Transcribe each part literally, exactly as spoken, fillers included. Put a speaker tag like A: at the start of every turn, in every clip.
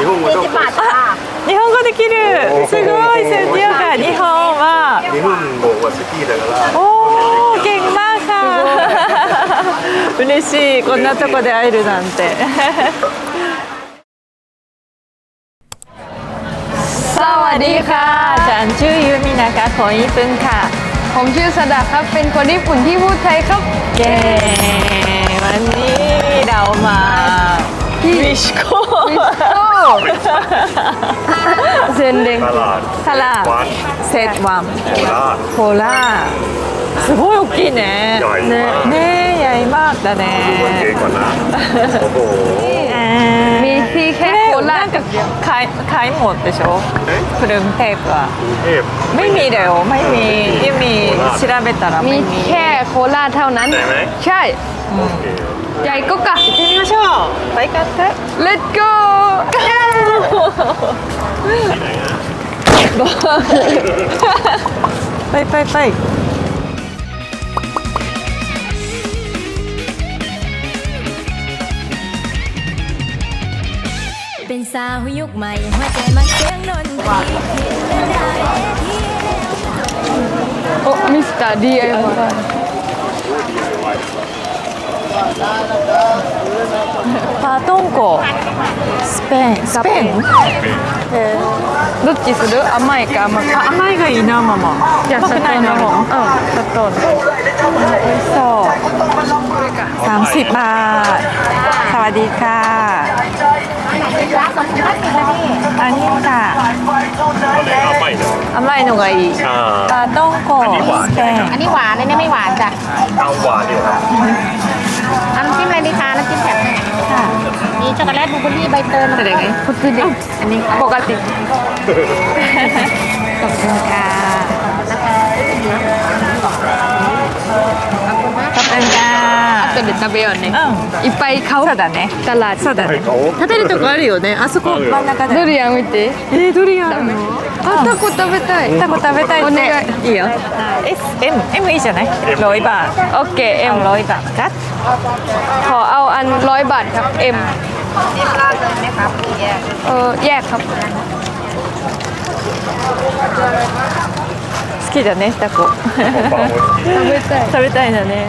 A: 日本語どうか。
B: 日本語できる。すごいすごいか日本は。
A: 日本語は好きだから。
B: おお、เก่งมากค่ะ。嬉しいこんなとこで会えるなんて。สวัสดีค่ะฉันชื่อยูมินะคะคนญี่ปุ่นค่ะ
C: ผมชื่อสดาครับเป็นคนญี่ปุ่นที่พูดไทยครับ
B: เย้วันนี้เรามาวิชโก้
C: เซนเดง
B: ตลาดเซตวัมโคราชすごい大きいねねねใหญ่มากだね
C: มีที่แค่โคราชกับเดียว
B: ขายขายหมดでしょกรุงเทพอะไม่มีเดี๋ยวไม่มีที่มี調べたら
C: มีแค่โคราชเท่านั้นใช่ใหญ่ก็กะ
B: 行ってみましょうไปกันเถอะ
C: Let's go
B: ไปไปไป
D: เป็นสาวยุคใหม่หัวใจมักเสียงนนทรี
C: โอ้มิสเตอร์ ดี ไอ วาย
B: パトンコスペインスペイン
C: どっちする甘いか甘く
B: あ甘いがいいなママ
C: じゃあ砂糖の方うん砂糖の
B: 美味しそうสามสิบบาทสวัสดีค่ะอันนี้ค่ะ甘いのがいいパトンコスペイン
E: อันนี้หวานอันนี้ไม่หวานจ้ะ
A: เอาหวานดีกว่า
E: น้ำจิ้มอะไรดีคะน้ำจิ้มแบบมีช็อกโกแลตบลูเบอร์รี่ใบเตยอะไรไง
C: こっちで
B: อันนี้ปกติขอบคุณค่ะขอบคุณค่ะ
C: 後で食べようね
B: うん
C: いっぱい買おう
B: そうだね
C: ตลาด
B: そうだね食べるとこあるよねあそこ真ん中で
C: ドリアン見て
B: えー、ドリアンあるの
C: あタコ食べたい
B: タコ食べたいって
C: お願い
B: いいよ S M M いいじゃないร้อยบาท
C: โอเคเอ็ม
B: เอาร้อยบาทกัด
C: ขอเอาอันร้อยบาทครับเอ็ม
E: เอ็มราดเลยไหมครับแยก
C: เออแยกครับ
B: 好きだねタコ
C: 食べたい
B: 食べたいんだね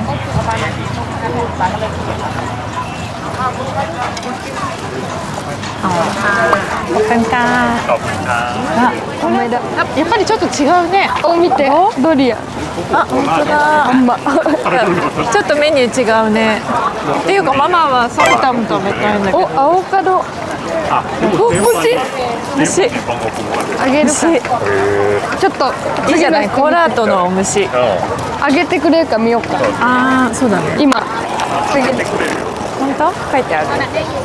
B: あおかんか
A: ขอบคุณครับ
B: あこれだやっぱりちょっと違うね
C: お見てドリアン
B: あ本当だ
C: ほんま
B: ちょっとメニュー違うねっていうかママはサムタム食べたいんだけ
C: お
B: ど
C: アボカド
A: あ
C: お欲しい
B: 蒸し
C: あげるか
B: 蒸し
C: ちょっと
B: いいじゃないコラートの蒸し
C: あげてくれるか見ようか
B: ああそうだね
C: 今次
B: 本当書いてある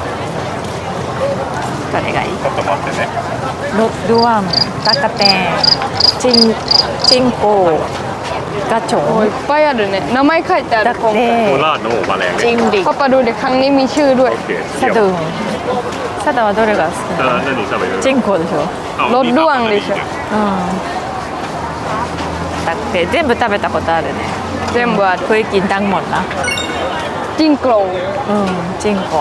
B: どれがいい
A: ちょっと待ってね
B: ロルワンタカテンチンチンコガチョ
C: おいっ
B: ン
C: ぱいあるね名前書いてあ
B: ダ
C: る今回
B: テ
A: โคราชの方มาแรง
B: チンリ
C: パパどれครั้งนี้มีชื่อด้วย
A: โอเค
B: サドゥンサダはどれが好き
A: เอ
B: なの
A: อ何食べる
B: チンコでしょ
A: あ
C: ロッドワンでしょ
B: うんだって全部食べたことあるね
C: 全部ある
B: เคยกินทั้งหมดนะ
C: จิ้งโกล
B: อืมจิงโก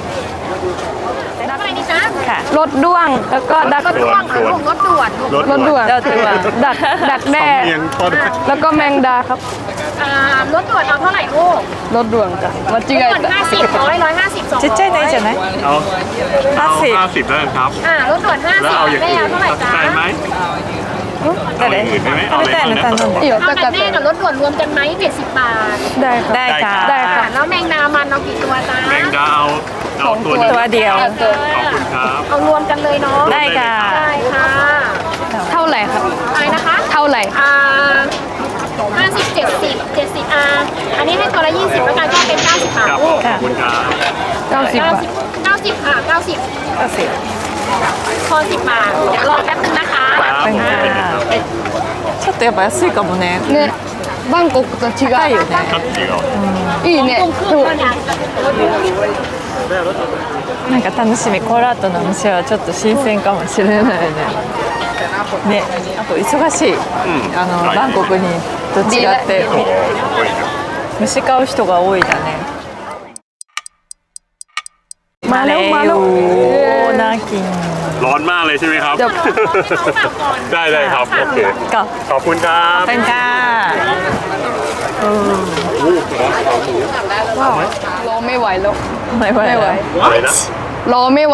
E: อะไรดีจ๊ะ
B: ค่ะ
C: รถด้วงแล้วก็ดัก
E: รถด่วนค่ะลูกรถด่วนลูก
C: รถด่วน
B: รถด่วน
C: ดักดักแด้
A: เมียงก็ได้
C: แล้วก็แมงดาครับ
E: อ่ารถด่วนเอาเท่าไหร่ลูก
C: รถด่วนจ้ะ間違
E: ด่วน
C: えた
E: ห้าสิบร้อยร้อยห้าสิบสอง
B: ちっちゃいのいいじゃない
A: เอาเอา
B: ห้าสิบ
A: ห้าสิบแล้วกันครับ
E: อ่ารถด่วนห้า
A: แล้ว
E: สิบ
A: เอาอย่าง
E: แม่
A: อื่
E: เอา
A: น
E: เท่าไหร่จ๊ะ
A: ได้ไหม
B: 誰
A: เอาอย่างอื่นได้ไหม
B: 食べたいの頼んで
C: いいよ
E: เอา
C: た
E: แต่
C: かっ
E: แม่กับรถด่วนรวมกันไหมเจ็ดสิบบาท
C: ได้ครับ
B: ได้ค่ะ
C: ได้ค่ะ
E: แล้วแมงดามันเอากี่ตัวจ๊ะ
A: แมงดาเอาเอาตัวหนึง
B: ตัวเดียว
A: ขอบคุณครับ
E: เอารวมกันเลยเนาะ
B: ได้ค่ะ
E: ได้ค่ะ
C: เท่าไหร่ครับ
E: อะไรนะคะ
C: เท่าไหร่
E: อ่าห้าสิบเจ็ดสิบเจ็ดสิบอ่าอันนี้ให้ตัวละยี่สิบแล้วกันก็เป็นเก้าสิบบาท
A: ครับ
E: ลูก
A: ขอบคุณครับ
C: เก้าสิบบาท
E: เก้าสิบค่ะเก้าสิบ
B: ก็สิ
E: พอสิบบาทเดี๋ยวรอแป๊บนึงนะคะ
A: ครับผมเป็นครับ
B: ちょっとやっぱ安いかもね
C: ねバンコクと違う
B: 高いよね
A: ครับเดี๋ยว
C: いいね
E: そうなんだ
B: なんか楽しみコーラートの店はちょっと新鮮かもしれないねねあと忙しい、あのバンコクにと違って虫買う人が多いだね
C: มาแล้วมาแล้ว
B: น่ากิน
A: ร้อนมากเลยใช่ไหมครับ
C: เดี๋ยว
A: ได้เลยครับ โอเค
B: ก็
A: ขอบคุณครับ
B: เป็นค่ะ
C: รอไม่ไหวแล้ว
B: ไม่ไหว
C: ไม่ไหว
A: อะไรนะ
C: รอไม่ไหว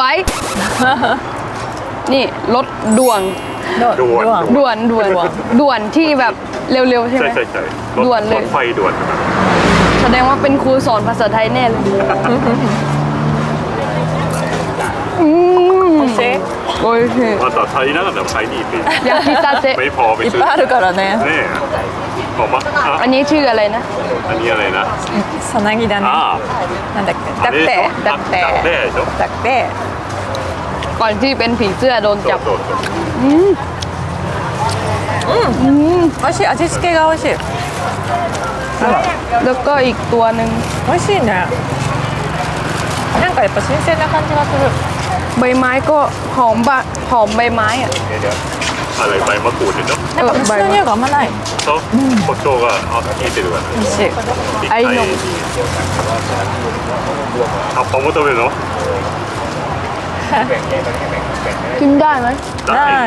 C: นี่รถด่วน
A: ด่วน
C: ด่วนด่วนด่วนที่แบบเร็วๆใช่ไหม
A: ใช่ใช่ใช่รถ
C: ด่วนเลย
A: รถไฟด่วนนะครับ
C: แสดงว่าเป็นครูสอนภาษาไทยแน่เลยอืม
B: おいしい
C: โอ้ยสิ
A: また足りなかったら買いに行って
C: ยากิตาเตะ
A: ไม่พอไป
B: いっ
A: ซื้อ
B: ぱいあるからね
A: ねえบอกว่าอ่ะ
C: อันนี้ชื่ออะไรนะ
A: อันนี้อะไรนะ
B: さなぎだね
A: อ่า
B: なんだっけ
A: あれ
B: だってだっ
A: ダッテ
B: て
A: でしょ
B: だって
C: ก่อนที่เป็นผีเสื้อโดน
A: そ
C: จั
A: う
C: บ
A: そうそう
B: 美味しい味付けが美味しい
C: แล้วก็อีกตัวหนึ่ง
B: 美味しいねなんかやっぱ新鮮な感じがする
C: ใบไม้ก็หอมบะหอมใบไม้อะ
A: เดี๋ยวๆอะไรใบมะกรูดเนี่ยเนาะ
B: なんか虫の匂いがあんまない
A: そう胡椒があ効いてるからね
B: 美味しい
C: ไอ้นม
A: 葉っぱも食べるの
C: กินได้ไหม
B: ない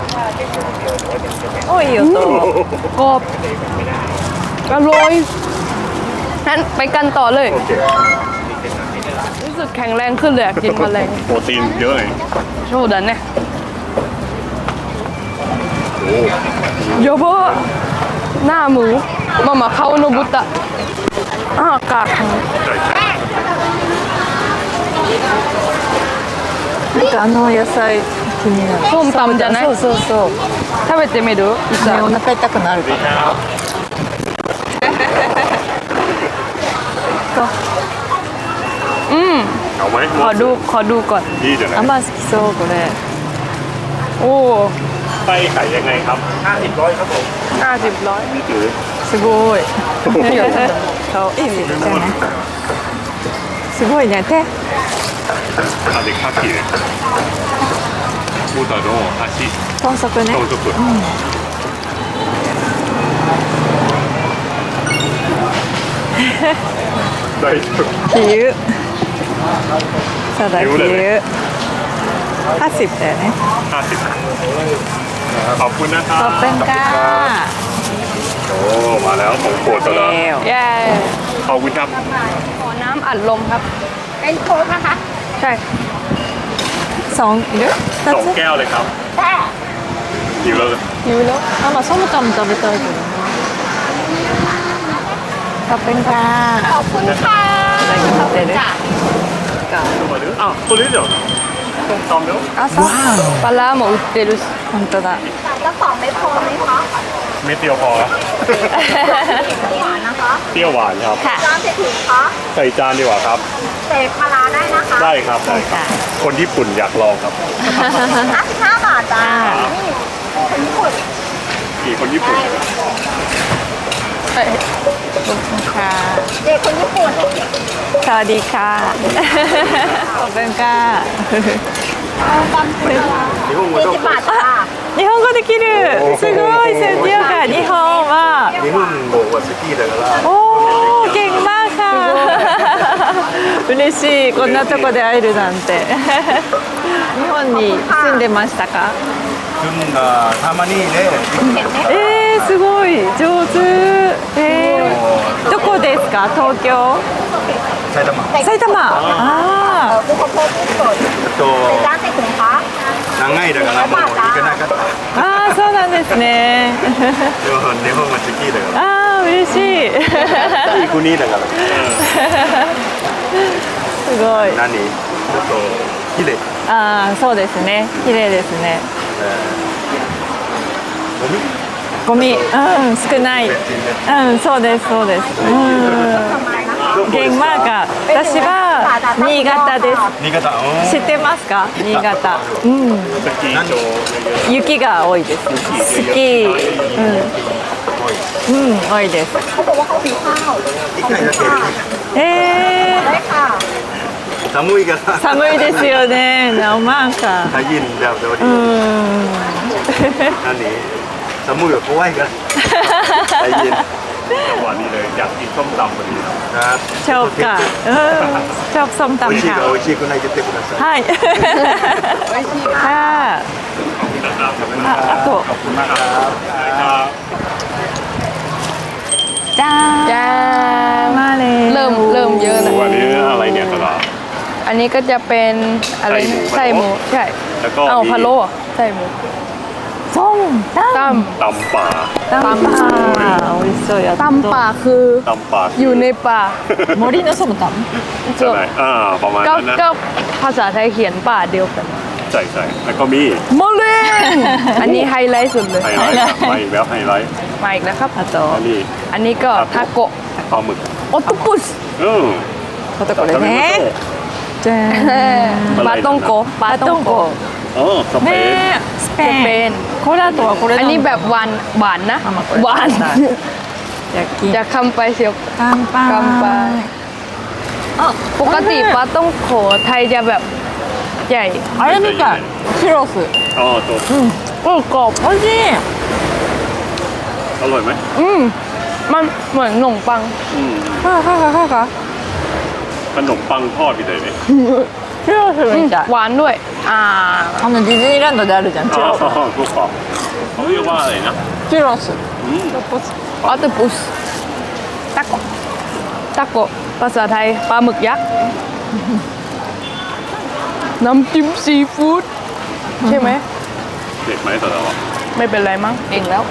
B: おいい音
C: กรอบอร่อยงั้นไปกันต่อเลย
A: โอเค
C: รู้สึกแข็งแรงขึ้นเลยอะกินแมลง
A: โปรตีนเยอะเลย
C: โชว์ดันเนี่ย
A: โอ้
C: โยโบะหน้าหมูมามาเข้าโนบุตะอ้าวกากหมู
A: ใช่ใช่
B: なんかあの野菜気になる
C: ส้มตำじゃない
B: そうそうそう
C: 食べてみるい
B: ねお腹痛くなるから
C: อืม
A: เอาไหม
C: ขอดูขอดูก่อน
A: ดีじゃない
B: あんま好きそうこれ
C: โอ้
A: ไส้ไก่ยังไงครับห้าสิบร้อยครับผม
C: ห้าสิบร้อย
A: นี่คือ
B: すごい顔いいじゃないすごいね手
A: あでカキねボタの足
B: 豚足ね
A: 豚足大丈夫
B: 比喩そうだ比
A: 比喩だ
B: 喩
A: ね
B: ห้าสิบだよね
A: ห้าสิบขอบคุณนะครับ
B: ขอบคุณค่ะ
A: โอ้มาแล้วของโปรดซะแล้ว
B: เร็ว
C: เย้
A: ขอบคุณครับ
C: ขอน้ำอัดลมครับ
E: เป็นโค้กนะคะ
C: ใช่
B: สองいる二
A: สอง
B: つ
A: แก้วเลยครับ
E: แต่
A: อยู่แล้ว
B: いるよあまあソムタム食べたいけどなขอบคุณค่ะ
E: ขอบคุณค่ะ
B: いただきまする
A: あこれじゃんส้มตำเดี๋ยว
B: あそう
C: ปลาร้าหมู売ってるし
B: 本当だ
E: แล้วสองไม่พอไหมคะ
A: เม็ดเดียวพอครับ
E: หวานนะคะ
A: เปรี้ยวหวานครับ
E: จานเศรษฐีคะ
A: ใส่จานดีกว่าครับ
E: เศษปลาร้าได้นะคะ
A: ได้ครับได้ครับ คนญี่ปุ่นอยากลองครับ
E: ห้าสิบห้าบาทจ้านี่คนญี่ปุ่น
A: กี่คนญี่ปุ่น
C: เอ้ย
B: ค่ะ
E: เด็กคนญี่ปุ่น
B: สวัสดีค่ะขอบคุณค่ะ
A: 日本語
E: ยี่สิบบาทจ้า
B: 日本語できるすごいセンティオカ日本は
A: 日本語は好きだから
B: おーเก่งมากค่ะ嬉しいこんなとこで会えるなんて日本に住んでましたか
F: 住んだたまにね、
B: えー、すごい上手えー、どこですか東京
F: 埼玉
B: 埼玉あ
E: บุคคลญี่ปุ่น
F: と
E: จานเศรษฐีคะ
F: 長いだからもう行けなかった
B: ーあーそうなんですね
F: でも日本が好きだから
B: あー嬉しい
F: いい国だから
B: すごい
F: 何ちょっと綺麗
B: ああそうですね綺麗ですねゴミうん少ないうんそうですそうですうんเก่งมากอ่ะ私は新潟です
F: 新潟う
B: 知ってますか新潟うん
A: スキー場
B: 雪が多いですスキーうんうん多いです
E: เขาบอกว่าเขาหิวข้าว
F: 一回だけ
B: え
E: ได้ค่ะ
F: 寒いから
B: ー、寒いですよねナオマンか
F: 大変だ料理
B: うん
F: 何寒いよ怖いから大変
A: จังหวะนี้เลยอยากกินส้มตำพอดีครับ
F: ครับ
B: ชอบค่ะเออชอบส้ม
F: 美味しい
B: ตำ
F: か
B: ค่ะ
F: 美味しいくない言ってください。
B: はいค่ะああと
A: ขอบคุณมากครับครับ
B: จ้า
C: จ้า
B: มาเลย
C: เริ่มเริ่มเยอะแล้ว
A: วันนี้อะไรเนี่ยตลาด
C: อันนี้ก็จะเป็นอะไรนะ
A: ไส้
C: ไส้
A: ห
C: ห
A: มู
C: มูใช่
A: แล้วก็
C: เอา
A: มี
C: พะโล้เหรอไส้หมู
B: ส้มต
C: ต
A: ตำป่า
B: ำตำป่า美味しそうやっ
C: ำตำป่าคือ
A: ตำป่า
C: อยู่ในป่า
B: 森のส้มต
A: ใช่ไหมอ่าประมาณ
C: ก็
A: นั้นนะ
C: ก็ภาษาไทยเขียนป่าเดียวกัน
A: ใช่ใช่แล้วก็มี
C: มะเร็งอันนี้ไฮไลท์สุดเลย
A: ไฮไลท์ครับมาอีกแล้วไฮไลท์
C: มาอีกแล้วครับ
B: ำあと
A: อันนี้
C: อันนี้ก็ทาโกะ
A: ปลาหมึก
C: โอตปุส
A: อืม
B: これこれねじゃ
C: ปลาต้องโกปลา
B: ー
C: ต้องโก
A: อ๋อสเปน
B: ねスペ
C: スペイン
B: インこれあとはこれ
C: อันนี้แบบหวานหวานนะ
B: あまあこれ
C: หวาน
B: 焼き
C: จะคำไปเสียว
B: 乾杯
C: 乾杯
B: あ
C: ปกติปลาต้องโขไทยจะแบบใหญ่
B: あれみたいチュロス
A: อ๋อตัว
C: โอ้กรอบ
B: 美味しい
A: อร่อยไหม
C: อืมมันเหมือนขนมปัง
A: อืม
B: ははははは
A: ขนมปังทอดพี่เตยเนี่ย
B: チュロスみたい
C: หวานด้วย อ่า
B: あのディズニーランドであるじゃんチ
A: อ๋
B: ュ
A: อ
B: ロス
A: ทุกคนเขาเรียกว่าอะไรนะ
B: チュロス
A: อืม
C: ออตปุสตะโกตะโกภาษาไทยปลาหมึกยักษ์ น้ำจิ้มซีฟู้ดใช่ไหม
A: เด็ดไหมแต่ละวัน
C: ไม่เป็นไรมั้งเองแล้ว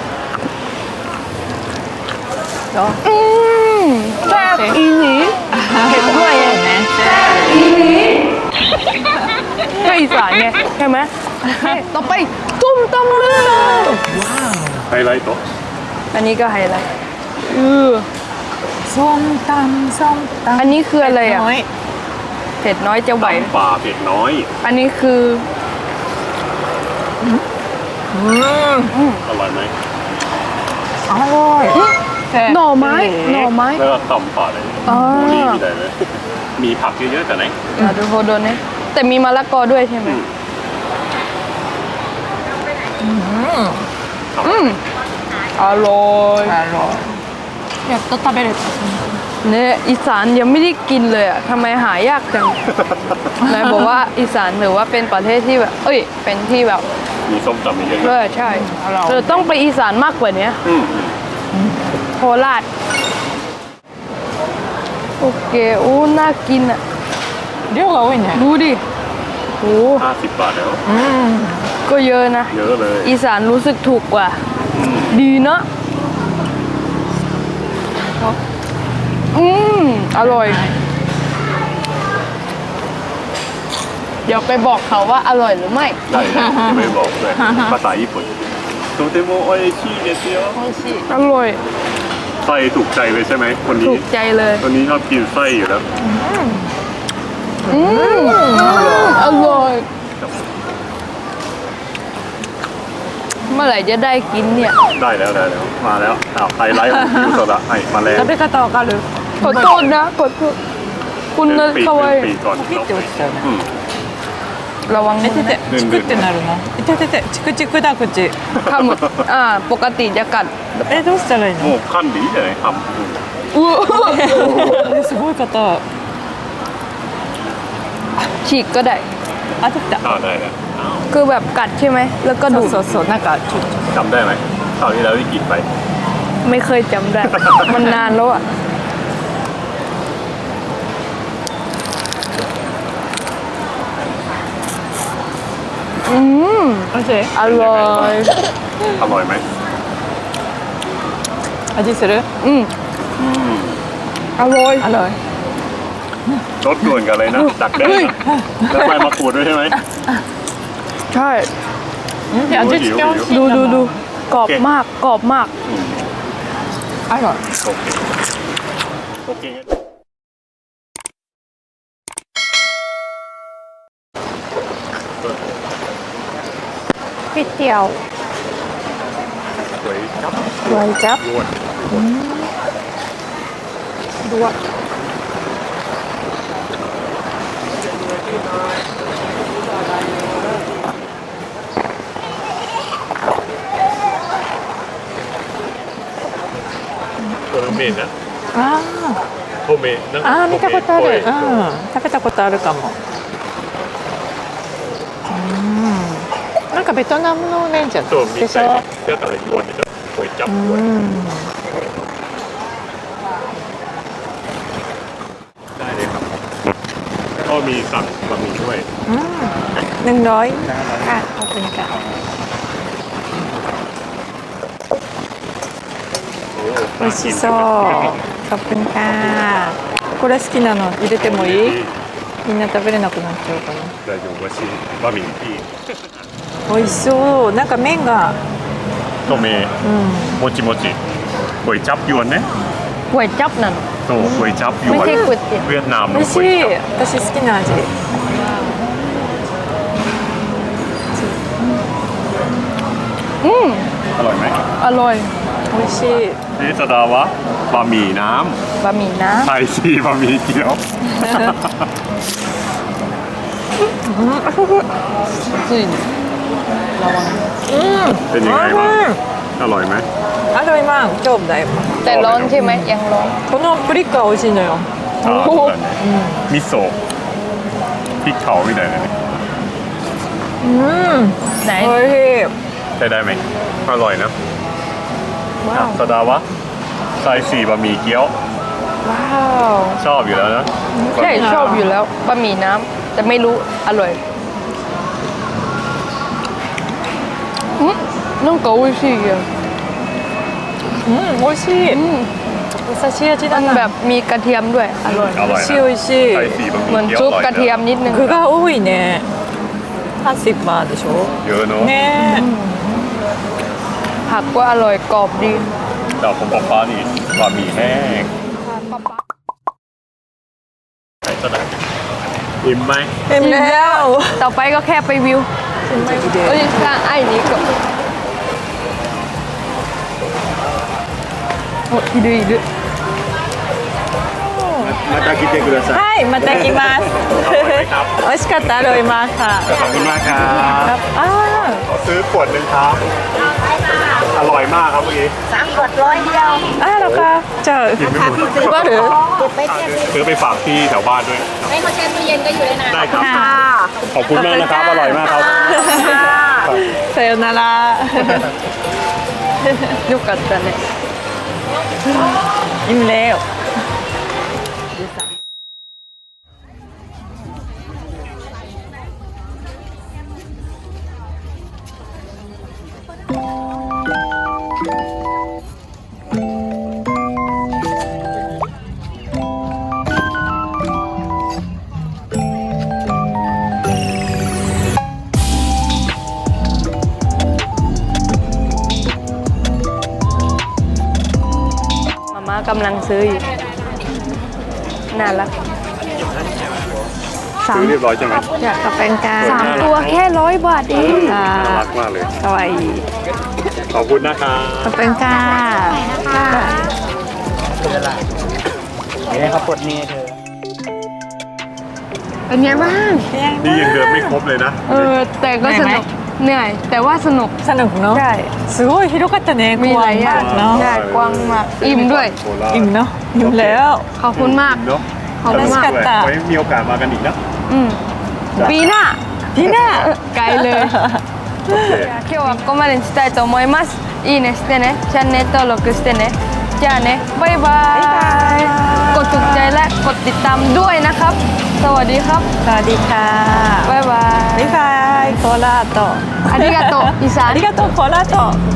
C: อืมแซ่บอีหลีเห็นด้วยไง
B: ね
C: อีหลีก็อีสานไงใช่ไหมต่อไปตุ้มตำลึง
A: ไฮไลท์โต๊ะ
C: อันนี้ก็ไฮไลท์เออ
B: ส้มตำส้มตำ
C: อันนี้คืออะไรอ่ะ
B: น้อย
C: เผ็ดน้อยจะไหว
A: ตำป่าเผ็ดน้อย
C: อันนี้คือ
A: อร่อยไหม
B: อร่อย
C: หน่อไม้หน่อไม้
A: แล้วก็ตำป่าเลย
C: อ๋อ
A: โมลี่มีอะไรเลย มีผักเยอะๆแต่ไหน
C: อ่าดูโฮโดนเนี่ยแต่มีมะละกอด้วยใช่ไหมอืมอร่อย
B: อร่อยやっと食べれた
C: เนี่ยอีสานยังไม่ได้กินเลยอ่ะทำไมหายากจังนายบอกว่าอีสานถือว่าเป็นประเทศที่แบบ เอ้ย เป็นที่แบบ
A: มีส้มตำเยอะ
C: เออใช่เธอต้องไปอีสานมากกว่านี้
A: ๆอืม
C: โคราชโอเคโอ้น่ากินอ่ะ
B: 量が多いね
C: ดูดิโอ้
A: ห้าสิบบาทแล้ว
C: ก็เยอะนะ
A: เยอะเลย
C: อีสานรู้สึกถูกกว่า ดีเนาะอืมอร่อย เดี๋ยวไปบอกเขาว่าอร่อยหรือไม่
A: ได้เลยจะไม่บอกเลยภาษาญี่ปุ่นโตเตโมโอเอชิเดซิโอ
C: อร่อย
A: ไส้ถูกใจเลยใช่ไหมคน
C: ถู
A: นี้
C: กใจเลย
A: คนนี้ชอบกินไส้อยู่แล้ว
C: อืมอร่อย เมื่อไหร่จะได้กินเนี่ย
A: ได้แล้วได้แล้วมาแล้วอ้าวไฮไลท์ของคิวโซดะให้มาแล้ว
B: 食べ方わかる
C: ขอโทษนะขอโทษคุณนะ
A: ปีก
C: เขาไว้
A: ปีกก่อน
B: ピッて落ちちゃうね
A: อืม
C: ระวัง
B: え
C: มือ
B: てて
C: นะ
B: チクってなるのえてててチクチクだ口
C: ข้าวหมดอ่า ปกติจะกัด
B: えどうしたらいい
A: โอ้
B: の
A: ขั้นดีเลยทำคุณ
C: อู้
B: えすごい方
C: ฉีกก็ได้
B: あできた
A: อ่าได้แล้วอ้าว
C: คือแบบกัดใช่ไหม แล้วก็
B: そ
C: ดู
B: う
C: ด
B: そうそうなんかちょっと
A: จำได้ไหมคราวที่แล้วที่กินไป
C: ไม่เคยจำได้ มันนานแล้วอ่ะ อืม
B: おいしい
C: อร่อย
A: อร่อยไหม
B: 味する
C: อืมอร่อย
B: อร่อย
A: รสด่วนกันเลยนะดักแด้นะแล้วใบมะกรูดด้วยใช่ไหม
C: ใช่
B: うんで味付け美味しいん
C: ดู
B: だ
C: ดู
B: も
C: ดู
B: ん
C: กรอบมาก กรอบมาก
B: อร่อย
A: โอเคโอเคงั้น
C: ก๋วยเตี๋ยว
A: สวยครับ
C: ไว้จับ
A: ยวน
C: ด้วย
A: ตัวน้ำพริกメな
B: あ
A: 米なん
B: ーあー見たことある、
A: 米っ
B: うん
A: ぽい、
B: 食べたことあるかも。うんなんかベトナムの麺じゃん
A: そうみ
B: でしょ。
A: たいだから言われたこういっちゃう
B: うん
A: ได้เลยครับก็มีสั่งบะหมี่ด้วย
B: หนึ่งร้อยค่ะขอบคุณค่ะ 美味しそうขอบคุณค่ะこれ好きなの入れてもいいみんな食べれなくなっちゃうかな
A: 大丈夫しบะหมี่ที่
B: 美味しそうなんか麺が
A: とめもちもちก๋วยจับยวนね
C: ก๋วยจับนั่น
A: そうก๋วยจับยวน
C: ไม่ใช่ก๋วยเตี๋ยว
A: เวียดนาม
B: 美
A: の
B: 味し
A: ก๋วย
B: い
A: จับ
B: 私好きな味
C: อืม
A: อร่อยไหม
C: อร่อย
B: 美味しい
A: เนสดาวะบะหมี่น้
C: บะหมี่น้
A: ำไทยซีบะหมี่เกี๊ยว
C: ำจริง
A: เป็นยังไงบ้างอร่อยไหม
B: あと今超だよ
C: แต่ร้อนใช่ไหมยังร้อน
B: このプリックは美味しいのよ
A: อ่าそうだねมิโซะพริกเขาみたいなね
C: ไหน
B: 美味しい
A: ใช้ได้ไหมอร่อยนะ
C: ว้าว
A: สดาวะไทยซีบะหมี่เกี๊ยว
C: ว้าว
A: ชอบอยู่แล้วนะ
C: ใช่ชอบอยู่แล้วบะหมี่น้ำแต่ไม่รู้อร่อยอืมなんか美味しいよ
B: うん美味しい優しい味だ
C: มัน
B: な
C: แบบมีกระเทียมด้วยอร่อย
A: อร่อย
B: 美味しい
A: นะ
B: 美味しい
A: ไทยซีบะห
C: เหมื
A: มี่
C: อน
A: เกี๊ยว
C: ซุ
A: อ
C: ป
A: ร่อย
C: กระเทียมนิดนึง
B: 具が多いねห้าสิบบาทでしょ
A: เยอะเนอะ
B: ね
C: ผักก็อร่อยกรอบดี
A: แต่ผมบอกฟ้านี่บะหมี่แห้งใส่สดาอิ่มไหม
B: えอิ่มแล้ว
C: ต่อไปก็แค่ไปวิวเอ้ยสร้างไอ้นี้ก็โอ้いるいる
F: また来てください
B: はいまた来ます美味しかったอร่อยมากค่ะ
A: ขอบคุณมากครับ
B: อ้าว
A: ขอซื้อขวดหนึ่งครับอร่อยมากครับเมื่อกี้
B: อ้าวแล้วค่ะじゃあ配る
A: ซื้อไปฝากที่แถวบ้านด้วย
E: ให้เขาแช่ตู้เย็นก็อยู่ได้นาน
A: ได้ครับ ขอบคุณมากนะครับ อร่อยมากครับ
B: さよなら
C: よかったね
B: อิ่มแล้ว
C: มาม่ากำลังซื้ออยู่น่ารักสา
A: ซื้
C: ม
A: อเรียบร้อยใช่ไหม
B: じゃあカペンカ
C: สามตัวแค่ร้อยบาทเอง
B: あ
A: น่ารักมากเลย
B: かわいい
A: ขอบคุณนะครับ
B: カペンカ
F: นี่เขาปลดนี่เธอ
C: เป็นไงบ้าง
A: นี่ยังเดินไม่ครบเลยนะ
C: เออ แต่ก็สนุกเหนื่อย แต่ว่าสนุก
B: สนุกเนาะ
C: ใช่
B: すごい広かったね
C: มีหลายอย่าง
B: กว้างมากเนาะ
C: ใช่กว้างมากอิ่มด้วย
A: โคราช
B: อิ่มเนาะอิ่มแล้ว
C: ขอบคุณมาก
A: เนาะ
C: ขอบคุณมาก
A: ด้วยไว้มีโอกาสมากันอีกนะ
C: อืมปีหน้า
B: พี่น่า
C: ไกลเลย 今日はここまでにしたいと思いますいいねしてねチャンネル登録してねじゃあねバイバイกดถูกใจและกดติดตามด้วยนะครับ สวัสดีครับ
B: สวัสดีค่ะ
C: บ๊ายบาย
B: บ๊ายบายโคราช
C: ありがとうอีสาน
B: ありがとうโคราช